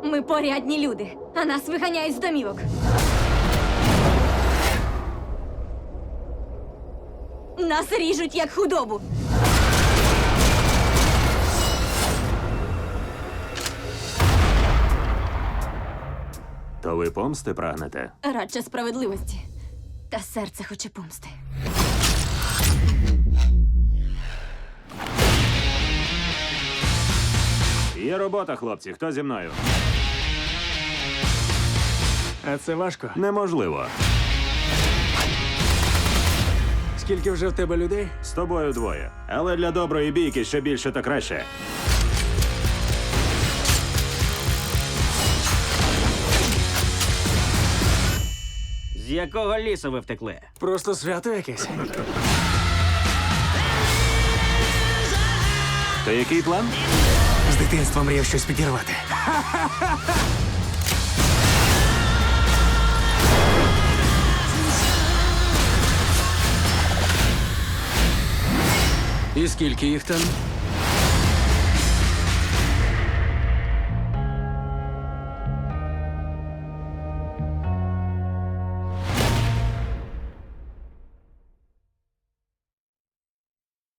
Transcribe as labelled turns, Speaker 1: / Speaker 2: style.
Speaker 1: Ми порядні люди, а нас виганяють з домівок. Нас ріжуть, як худобу.
Speaker 2: То ви помсти прагнете?
Speaker 1: Радше справедливості. Та серце хоче помсти.
Speaker 2: Є робота, хлопці. Хто зі мною?
Speaker 3: А це важко.
Speaker 2: Неможливо.
Speaker 3: Скільки вже в тебе людей?
Speaker 2: З тобою двоє. Але для доброї бійки що більше, то краще.
Speaker 4: З якого лісу ви втекли?
Speaker 3: Просто свято якесь.
Speaker 2: То який план?
Speaker 3: З дитинства мріяв щось підірвати. І скільки їх там?